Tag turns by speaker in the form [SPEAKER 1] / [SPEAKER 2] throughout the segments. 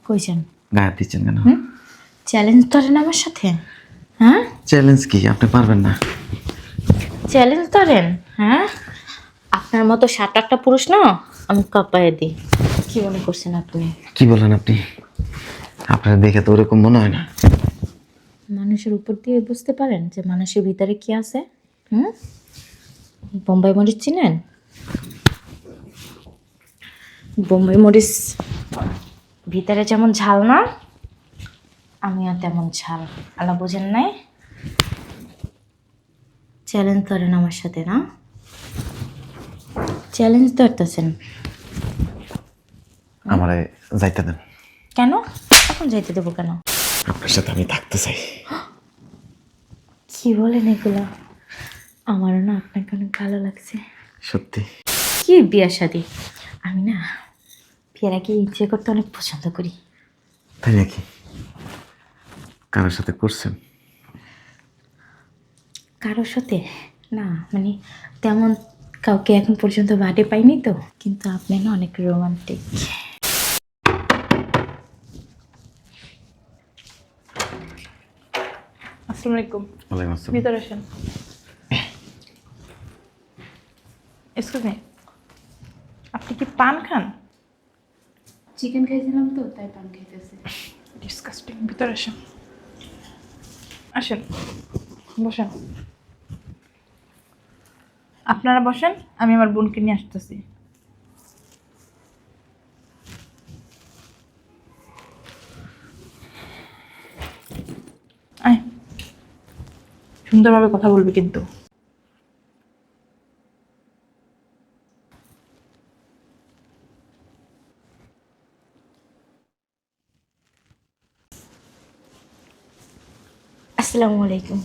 [SPEAKER 1] কইছেন
[SPEAKER 2] গায়ে দিচ্ছেন কেন?
[SPEAKER 1] চ্যালেঞ্জ ধরেন আমার সাথে? হ্যাঁ,
[SPEAKER 2] চ্যালেঞ্জ কি? আপনি পারবেন না?
[SPEAKER 1] চ্যালেঞ্জ ধরেন? হ্যাঁ, আপনার মতো 7-8টা পুরুষ না আমি কাঁপায়ে দিই। কি মনে করছেন আপনি?
[SPEAKER 2] কি বলেন আপনি? আপনার দেখে তো ওরকম মনে হয় না।
[SPEAKER 1] মানুষের উপর দিয়ে বুঝতে পারেন যে মানুষের ভিতরে কি আছে? হুম, বোম্বাই মরিচ চিনেন? বোম্বাই মরিচ ভিতরে যেমন ঝাল না, আমিও তেমন ঝাল। আলা বোঝেন নাই? চ্যালেঞ্জ ধরেন আমার সাথে না? চ্যালেঞ্জ ধরতেছেন
[SPEAKER 2] আমারে যাইতে দেন।
[SPEAKER 1] কেন? এখন যাইতে দেবো কেন?
[SPEAKER 2] আপনার সাথে আমি থাকতে চাই।
[SPEAKER 1] কি বলেন এগুলো? আমারও না আপনাকে অনেক ভালো লাগছে।
[SPEAKER 2] সত্যি?
[SPEAKER 1] কি বিয়ের শাদী? আমি না বিয়ের আগে ইচ্ছে করতে অনেক পছন্দ করি।
[SPEAKER 2] তাই নাকি? কারোর সাথে করছেন?
[SPEAKER 1] কারোর সাথে না, মানে তেমন কাউকে এখন পর্যন্ত বাড়ি পাইনি তো, কিন্তু আপনি না অনেক রোমান্টিক।
[SPEAKER 3] আসসালামু আলাইকুম।
[SPEAKER 2] ওয়ালাইকুম আসসালাম।
[SPEAKER 3] ভিতরে আসেন। এক্সকিউজ মি, আপনি কি পান খান?
[SPEAKER 4] চিকেন খাইছিলাম তো তাই পান খাইতেছে।
[SPEAKER 3] ডিসকাস্টিং। ভিতরে আসেন, আসেন, বসেন। আপনারা বসেন, আমি আমার বোনকে নিয়ে আসতেছি। আয়, সুন্দরভাবে কথা বলবি কিন্তু।
[SPEAKER 1] আসসালামু আলাইকুম।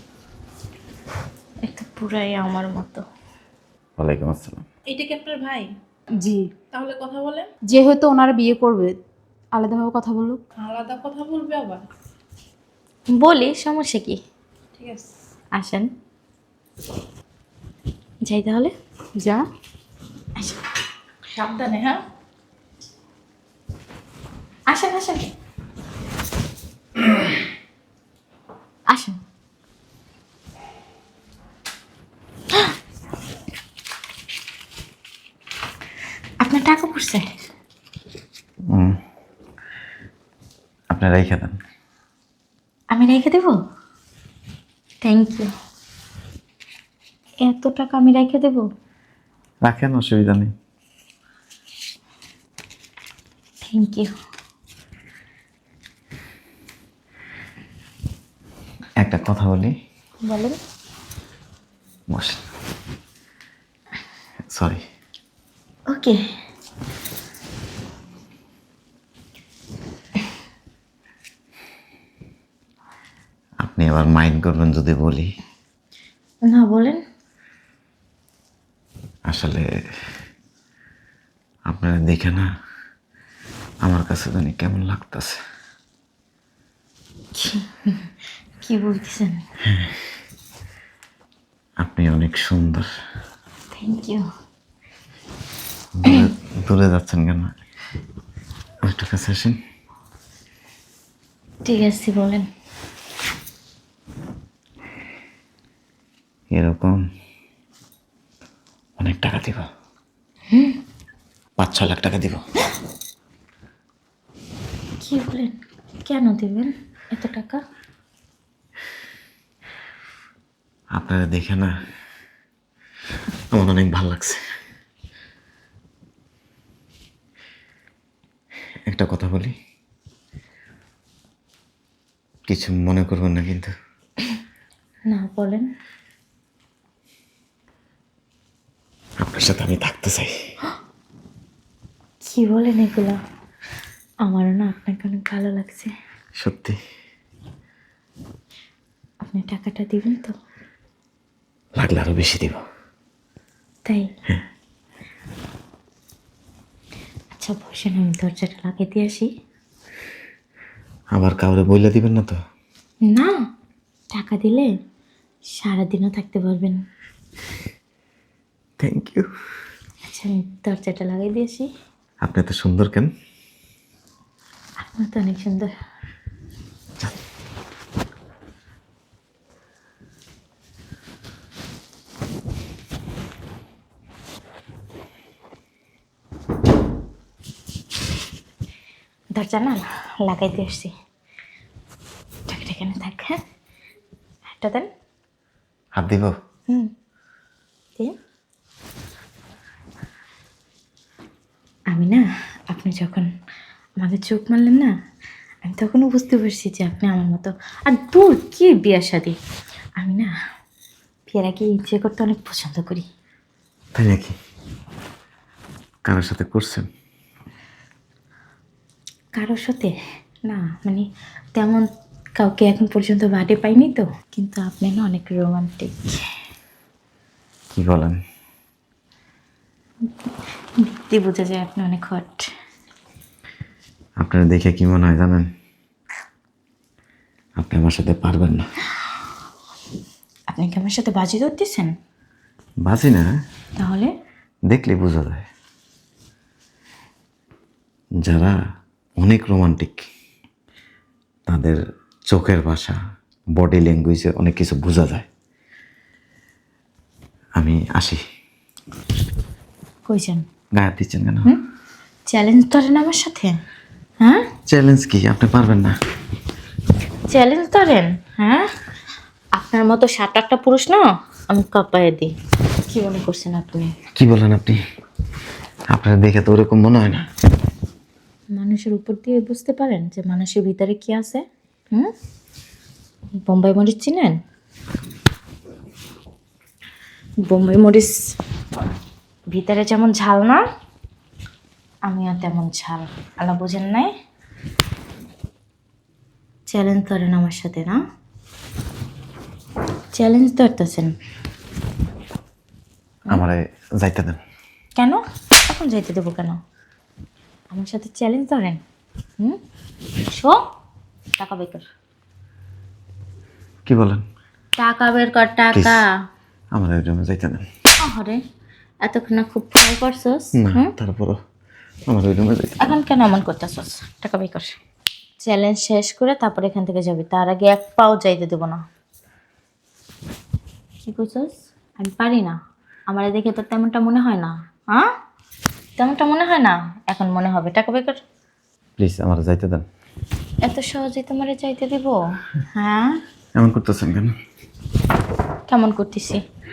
[SPEAKER 1] একটা পুরাই আমার মতো।
[SPEAKER 2] ওয়ালাইকুম আসসালাম।
[SPEAKER 3] এইটা কি আপনার ভাই?
[SPEAKER 4] জি,
[SPEAKER 3] তাহলে কথা বলেন।
[SPEAKER 4] যেহেতু ওনারা বিয়ে করবে আলাদাভাবে কথা বলুক।
[SPEAKER 3] আলাদা কথা বলবে আবার?
[SPEAKER 1] বলি, সমস্যা কি?
[SPEAKER 3] ঠিক আছে,
[SPEAKER 1] আসেন যাই তাহলে।
[SPEAKER 4] যা।
[SPEAKER 1] আসেন
[SPEAKER 3] সাবধানে। হ্যাঁ,
[SPEAKER 1] আসেন আসেন আসেন। আপনার টাকা পড়ছে?
[SPEAKER 2] আপনি রেখে দেন।
[SPEAKER 1] আমি রেখে দেব? Thank you. এত টাকা আমি রেখে দেব?
[SPEAKER 2] রাখেন, অসুবিধা নেই।
[SPEAKER 1] Thank you.
[SPEAKER 2] একটা কথা বলি।
[SPEAKER 1] বলেন।
[SPEAKER 2] বসেন। সরি।
[SPEAKER 1] ওকে।
[SPEAKER 2] আপনি আবার মাইন্ড করবেন যদি বলি।
[SPEAKER 1] না, বলেন।
[SPEAKER 2] আসলে আপনারা দেখে না আমার কাছে জানি কেমন লাগতেছে।
[SPEAKER 1] কি বলতেছেন?
[SPEAKER 2] আপনি অনেক সুন্দর।
[SPEAKER 1] Thank you.
[SPEAKER 2] দূরে যাচ্ছেন কেন? একটু কাছে আসেন।
[SPEAKER 1] ঠিক আছে, বলেন।
[SPEAKER 2] এরকম অনেক টাকা দিব। 5-6 লাখ টাকা দিব।
[SPEAKER 1] কি বলেন? কেন দেবেন এত টাকা?
[SPEAKER 2] আপনারা দেখে না আমার অনেক ভালো লাগছে। একটা কথা বলি, কিছু মনে করবেন না কিন্তু।
[SPEAKER 1] না, বলেন।
[SPEAKER 2] আপনার সাথে আমি থাকতে চাই।
[SPEAKER 1] কি বলেন এগুলা? আমারও না আপনাকে অনেক ভালো লাগছে।
[SPEAKER 2] সত্যি?
[SPEAKER 1] আপনি টাকাটা দিবেন তো?
[SPEAKER 2] লাগলে আরো বেশি দিব।
[SPEAKER 1] তাই? আচ্ছা বসেন, আমি দরজাটা লাগিয়ে দিয়ে আসি।
[SPEAKER 2] আবার কাউরে বইলা দিবেন না তো?
[SPEAKER 1] না, টাকা দিলে সারাদিনও থাকতে পারবেন।
[SPEAKER 2] Thank you.
[SPEAKER 1] আচ্ছা, আমি দরজাটা লাগিয়ে দিয়ে আসি।
[SPEAKER 2] আপনি এত সুন্দর কেন?
[SPEAKER 1] আপনি তো অনেক সুন্দর। দরজা না লাগাইতে আসছি, টাকাটা এখানে থাক। হ্যাঁ, হাতটা দেন।
[SPEAKER 2] হাত দিব?
[SPEAKER 1] দিন। আমি না, আপনি যখন আমাকে চোখ মারলেন না, আমি তখনও বুঝতে পারছি যে আপনি আমার মতো। আর দূর কি বিয়ের শাদী, আমি না বিয়ের আগে ইচ্ছে করতে অনেক পছন্দ করি।
[SPEAKER 2] তাই নাকি? কারোর সাথে করছেন?
[SPEAKER 1] কারোর সাথে না, মানে তেমন কাউকে এখন পর্যন্ত বাড়ি পাইনি তো, কিন্তু আপনি না অনেক রোমান্টিক।
[SPEAKER 2] কি বলেন?
[SPEAKER 1] দেখতে বোঝা যায় আপনি অনেক হট।
[SPEAKER 2] আপনারা দেখে কি মনে হয় জানেন? আপনি আমার সাথে পারবেন না।
[SPEAKER 1] আপনি কি আমার সাথে বাজি ধরতেছেন?
[SPEAKER 2] বাজি না,
[SPEAKER 1] তাহলে
[SPEAKER 2] দেখলে বোঝা যায়। যারা অনেক রোমান্টিক তাদের চোখের ভাষা, বডি ল্যাঙ্গুয়েজে অনেক কিছু বোঝা যায়। আমি আসি।
[SPEAKER 1] কইছেন?
[SPEAKER 2] গায়ে হাত দিচ্ছেন কেন?
[SPEAKER 1] চ্যালেঞ্জ ধরেন আমার সাথে? হ্যাঁ,
[SPEAKER 2] চ্যালেঞ্জ কি? আপনি পারবেন না?
[SPEAKER 1] চ্যালেঞ্জ ধরেন? হ্যাঁ, আপনার মতো 7-8টা পুরুষ না আমি কাঁপায় দিই। কি মনে করছেন আপনি?
[SPEAKER 2] কি বলেন আপনি? আপনার দেখে তো ওরকম মনে হয় না।
[SPEAKER 1] মানুষের উপর দিয়ে বুঝতে পারেন যে মানুষের ভিতরে কি আছে? বোম্বাই মরিচ চিনেন? বোম্বাই মরিচ ভিতরে যেমন ঝাল না, আমিও তেমন ঝাল। আলা বোঝেন নাই? চ্যালেঞ্জ ধরেন আমার সাথে না? চ্যালেঞ্জ ধরতেছেন
[SPEAKER 2] আমারে যাইতে দেন।
[SPEAKER 1] কেন? এখন যাইতে দেবো কেন? আমার সাথে চ্যালেঞ্জ ধরেন। শো, টাকা বের কর।
[SPEAKER 2] কি বলেন?
[SPEAKER 1] টাকা বের কর, টাকা।
[SPEAKER 2] আমার ওই রুমে যাইতে দেন।
[SPEAKER 1] আরে এতক্ষণ না খুব ট্রাই করছস?
[SPEAKER 2] না, তারপরও আমার ওই রুমে যাইতে।
[SPEAKER 1] এখন কেন এমন করতেছস? টাকা বের কর। চ্যালেঞ্জ শেষ করে তারপর এখান থেকে যাবি, তার আগে এক পাও যাইতে দেবো না। কি করছস? আমি পারি না? আমার দেখে তো তেমনটা মনে হয় না। হ্যাঁ, তেমনটা মনে হয় না, এখন মনে হবে। টাকা বের কর।
[SPEAKER 2] প্লিজ আমার যাইতে দেন।
[SPEAKER 1] এত সহজেই তোমারে চাইতে দিব? হ্যাঁ,
[SPEAKER 2] এমন করতেছেন কেন?
[SPEAKER 1] কেমন করতেছি?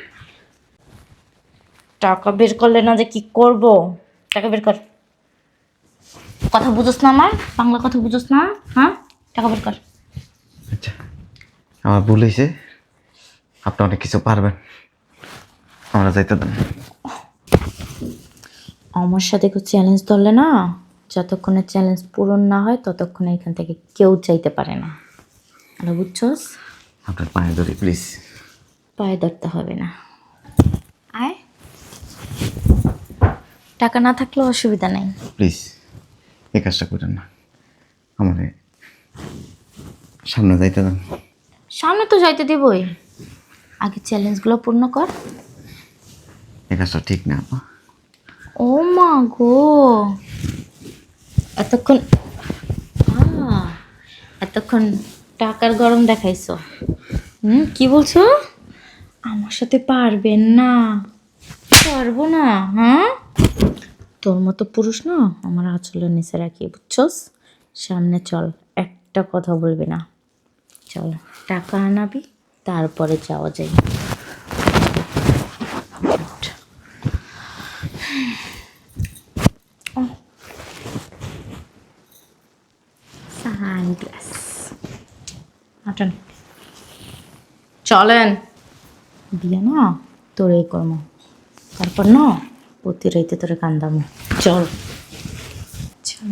[SPEAKER 1] টাকা বের করলে না যে কি করব? টাকা বের কর। কথা বুঝোস না আমার? বাংলা কথা বুঝোস না? হ্যাঁ, টাকা বের কর।
[SPEAKER 2] আচ্ছা, আমার ভুল হয়েছে। আপনি অনেক কিছু পারবেন, আমরা যাইতে দেন।
[SPEAKER 1] আমার সাথে কেউ চ্যালেঞ্জ ধরলে না, যতক্ষণে চ্যালেঞ্জ পূরণ না হয় ততক্ষণে এখান থেকে কেউ চাইতে পারে না। আর বুঝছস?
[SPEAKER 2] আপনার পায়ে ধরি প্লিজ।
[SPEAKER 1] পায়ে ধরতে হবে না, আয়। টাকা না থাকলেও অসুবিধা নেই।
[SPEAKER 2] প্লিজ এই কাজটা করেন না। আমার সামনে যাইতে দেন।
[SPEAKER 1] সামনে তো যাইতে দিবই, আগে চ্যালেঞ্জগুলো পূর্ণ কর।
[SPEAKER 2] এই কাজটা ঠিক না আপা।
[SPEAKER 1] ও মা গো, এতক্ষণ এতক্ষণ টাকার গরম দেখাইছো। কি বলছো? আমার সাথে পারবেন না? পারবো না? হ্যাঁ, তোর মতো পুরুষ না আমার আঁচলের নিচে রাখি, বুঝছস? সামনে চল, একটা কথা বলবি না। চল, টাকা আনাবি, তারপরে যাওয়া যায়। সানগ্লাস আটন, চলেন। বিয়ে না তোর এই কর্ম, তারপর না প্রতি রাইতে তোরে কান্দামো। চল চল।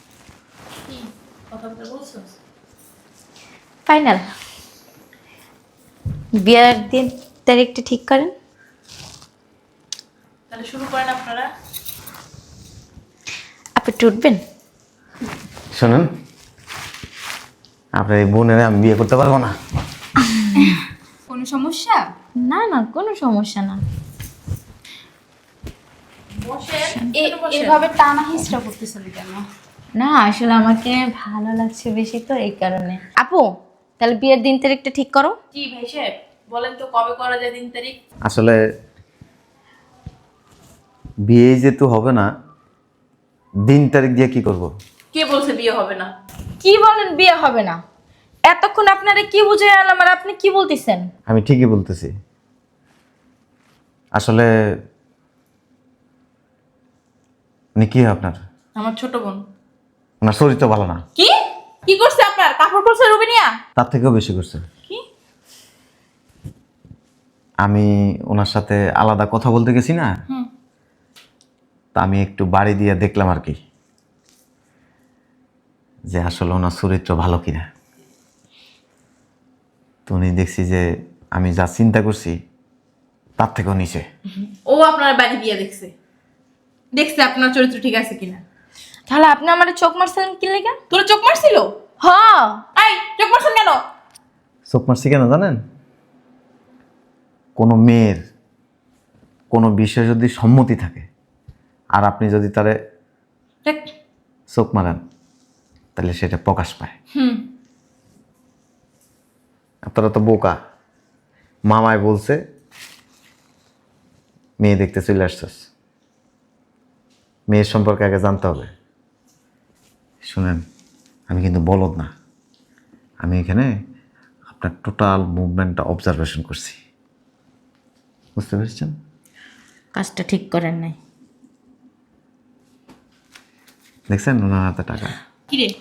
[SPEAKER 3] কথা বলতে বলছস?
[SPEAKER 1] ফাইনাল বিয়ের দিন তারিখটা ঠিক করেন।
[SPEAKER 3] তাহলে শুরু করেন আপনারা।
[SPEAKER 1] আপনি একটু উঠবেন?
[SPEAKER 2] শোনেন, আপনার এই বোনের আমি বিয়ে করতে পারবো না।
[SPEAKER 4] কোনো সমস্যা?
[SPEAKER 1] না না, কোনো সমস্যা না।
[SPEAKER 3] বসেন, একটু বসেন।
[SPEAKER 4] এভাবে টানা হিস্ট্রা করতেছেন কেন?
[SPEAKER 1] না আসলে আমাকে ভালো লাগছে বেশি তো এই কারণে। আপু তাহলে বিয়ের দিন তারিখটা ঠিক করো।
[SPEAKER 3] জি ভাই সাহেব, বলেন তো কবে করা যায় দিন তারিখ?
[SPEAKER 2] আসলে বিয়ে যেহেতু হবে না, দিন তারিখ দিয়ে কি করব?
[SPEAKER 3] কে বলছে বিয়ে হবে না?
[SPEAKER 1] কি বলেন বিয়ে হবে না? এতক্ষণ আপনারা কি বুঝে আনলাম আর আপনি কি বলতেছেন?
[SPEAKER 2] আমি ঠিকই বলতেছি। আসলে উনি কি হয় আপনার?
[SPEAKER 3] আমার ছোট বোন।
[SPEAKER 2] ওনার চরিত্র ভালো না।
[SPEAKER 3] কি কি করছে আপনার? কাপড় পরছে রুবিনিয়া?
[SPEAKER 2] তার থেকেও বেশি করছে।
[SPEAKER 3] কি?
[SPEAKER 2] আমি ওনার সাথে আলাদা কথা বলতে গেছি না,
[SPEAKER 3] হুম।
[SPEAKER 2] তা আমি একটু বাড়ি দিয়ে দেখলাম আর কি, যে আসলে ওনার চরিত্র ভালো কিনা। তো উনি দেখছি যে আমি যা চিন্তা করছি তার থেকেও নিচে।
[SPEAKER 3] ও আপনার বাড়ি বিয়ে দেখছে, দেখছে আপনার চরিত্র ঠিক আছে কিনা।
[SPEAKER 1] তাহলে আপনি আমার চোখ মারছেন কি লেগে?
[SPEAKER 3] তোর চোখ মারছিল?
[SPEAKER 1] হ।
[SPEAKER 3] এই চোখ মারছেন কেন?
[SPEAKER 2] চোখ মারছি কেন জানেন? কোনো মেয়ের কোনো বিষয়ে যদি সম্মতি থাকে আর আপনি যদি তারে
[SPEAKER 3] দেখ।
[SPEAKER 2] চোখ মারেন তাহলে সেটা প্রকাশ পায়।
[SPEAKER 3] হুম।
[SPEAKER 2] আপনারা তো বোকা। মামায় বলছে মেয়ে দেখতে চলে আসছিস, মেয়ের সম্পর্কে আগে জানতে হবে। শুনেন, আমি কিন্তু বলদ না, আমি এখানে আপনার টোটাল মুভমেন্টটা অবজারভেশন করছি, বুঝতে পেরেছেন?
[SPEAKER 1] কাজটা ঠিক করেন নাই।
[SPEAKER 2] দেখছেন ওনার হাতে টাকা।
[SPEAKER 3] কি রে,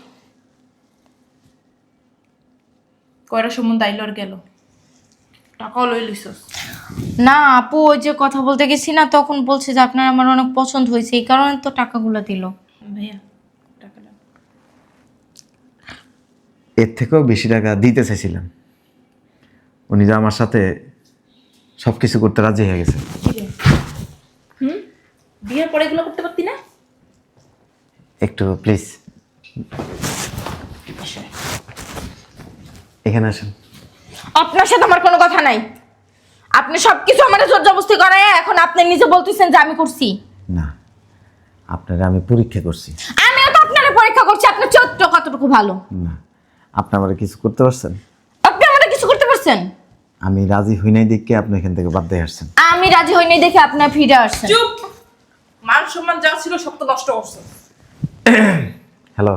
[SPEAKER 3] কয়টা সম্বন্ধ আইল আর গেল, টাকাও লই লিছস?
[SPEAKER 1] না আপু ওই যে কথা বলতে গেছি না, তখন বলছে যে আপনার আমার অনেক পছন্দ হয়েছে, এই কারণে তো টাকাগুলো দিল।
[SPEAKER 3] ভাইয়া টাকাটা।
[SPEAKER 2] এর থেকেও বেশি টাকা দিতে চাইছিলাম, উনি যে আমার সাথে সব কিছু করতে রাজি হয়ে গেছে।
[SPEAKER 3] কি রে? হুম, বিয়ের পরে এগুলো করতে পারতি না?
[SPEAKER 2] একটু প্লিজ এখানে আসেন।
[SPEAKER 1] আপনার সাথে আমার কোনো কথা নাই। আপনি সবকিছু আমার জোর জবরদস্তি করায় এখন আপনি নিজে বলতেছেন যে আমি করছি।
[SPEAKER 2] না, আপনারা আমি পরীক্ষা করছি।
[SPEAKER 1] আমিও তো আপনার পরীক্ষা করছি আপনার চরিত্র কতটুকু ভালো।
[SPEAKER 2] না, আপনি আমার কিছু করতে পারছেন?
[SPEAKER 1] আপনি আমাকে কিছু করতে পারছেন?
[SPEAKER 2] আমি রাজি হই নাই দেখে আপনি এখান থেকে বাদ দিয়ে আসছেন।
[SPEAKER 1] আমি রাজি হইনি দেখে আপনার ফিরে আসছেন।
[SPEAKER 3] চুপ! মান সম্মান যা ছিল সব তো নষ্ট করছে।
[SPEAKER 2] হ্যালো,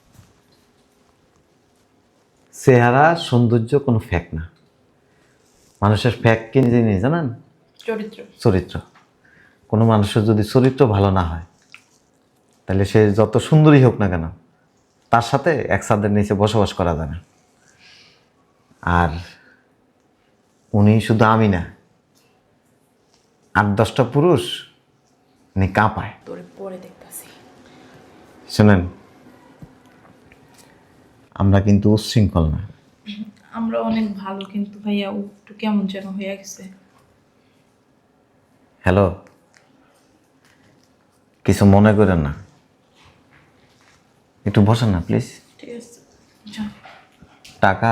[SPEAKER 2] চেহারা সৌন্দর্য কোনো ফ্যাক না, মানুষের ফ্যাক কি জিনিস জানেন?
[SPEAKER 3] চরিত্র।
[SPEAKER 2] চরিত্র। কোনো মানুষের যদি চরিত্র ভালো না হয় তাহলে সে যত সুন্দরী হোক না কেন তার সাথে এক ছাদের নিচে বসবাস করা যায় না। আর উনি শুধু আমি না, 8-10টা পুরুষ উনি কাঁপায়।
[SPEAKER 3] তোরে পরে দেখতাছি।
[SPEAKER 2] শোনেন, আমরা কিন্তু উচ্ছৃঙ্খল না।
[SPEAKER 3] আমরা অনেক ভালো, কিন্তু ভাইয়া ও একটু কেমন যেন হয়ে গেছে।
[SPEAKER 2] হ্যালো, কিছু মনে করেন না, একটু বসেন না প্লিজ।
[SPEAKER 3] ঠিক আছে, যা।
[SPEAKER 2] টাকা,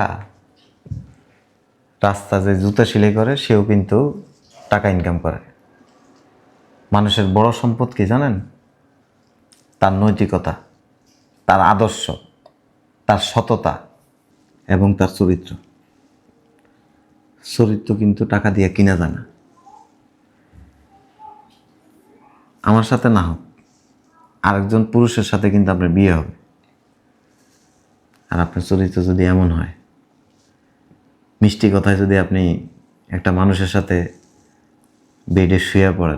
[SPEAKER 2] রাস্তা যে জুতা সেলাই করে সেও কিন্তু টাকা ইনকাম করে। মানুষের বড় সম্পদ কি জানেন? তার নৈতিকতা, তার আদর্শ, তার সততা এবং তার চরিত্র। চরিত্র কিন্তু টাকা দিয়ে কিনা যায় না। আমার সাথে না হোক, আরেকজন পুরুষের সাথে কিন্তু আপনার বিয়ে হবে। আর আপনার চরিত্র যদি এমন হয়, মিষ্টি কথায় যদি আপনি একটা মানুষের সাথে বেডে শুয়ে পড়েন,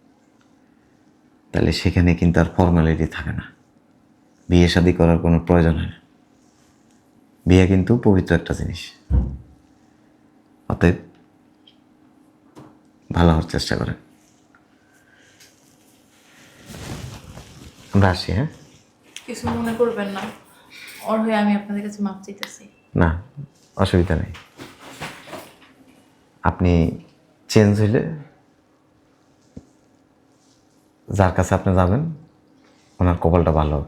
[SPEAKER 2] তাহলে সেখানে কিন্তু আর ফর্মালিটি থাকে না, বিয়ে শাদী করার কোনো প্রয়োজন হয় না। বিয়ে কিন্তু পবিত্র একটা জিনিস। অতএব ভালো হওয়ার চেষ্টা করেন। আমরা আসি, হ্যাঁ?
[SPEAKER 3] কিছু মনে করবেন না, ওর হয়ে আমি আপনাদের কাছে মাপ চাইতেছি।
[SPEAKER 2] না, অসুবিধা নেই। আপনি চেঞ্জ হইলে যার কাছে আপনি যাবেন ওনার কপালটা ভালো হবে।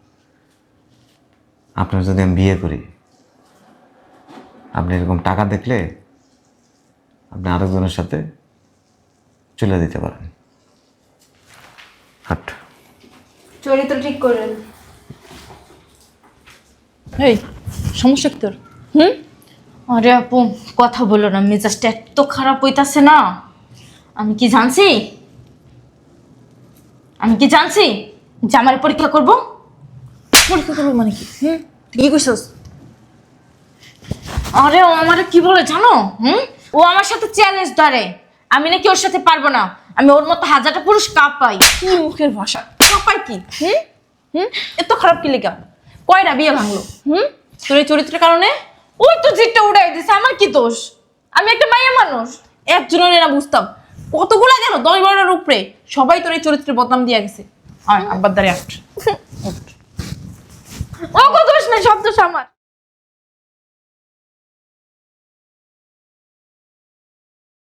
[SPEAKER 2] আপনার যদি আমি বিয়ে করি, আপনি এরকম টাকা দেখলে আপনি আরেকজনের সাথে চলে দিতে পারেন। হাট।
[SPEAKER 1] চরিত্র ঠিক করেন।
[SPEAKER 3] এই সমস্যা কি তোর? হুম?
[SPEAKER 1] আরে আপু কথা বলো না, মেজাজটা এত খারাপ হইতাছে না। আমি কি জানছি যে আমার পরীক্ষা করব?
[SPEAKER 3] পরীক্ষা করবো মানে কি? তুই কি কইছস?
[SPEAKER 1] আরে ও আমারে কি বলে জানো? ও আমার সাথে চ্যালেঞ্জ ধরে, আমি নাকি ওর সাথে পারবো না, আমি ওর মতো হাজারটা পুরুষ কাঁপাই।
[SPEAKER 3] কি মুখের ভাষা? কাপাই কি? এত খারাপ কি লেগা? কয়টা বিয়ে ভাঙলো? তোর এই চরিত্রের কারণে?
[SPEAKER 1] ওই তো জিতটা উড়াই দিছে, আমার কি দোষ? আমি একটা মাইয়া মানুষ।
[SPEAKER 3] একজনের না বুঝতাম, কতগুলা গেল 10-12টার উপরে, সবাই তোর এই চরিত্রের বদনাম দিয়ে গেছে। আর আব্বার দ্বারে আট।
[SPEAKER 1] ও কত দোষ নাই, সব দোষ আমার।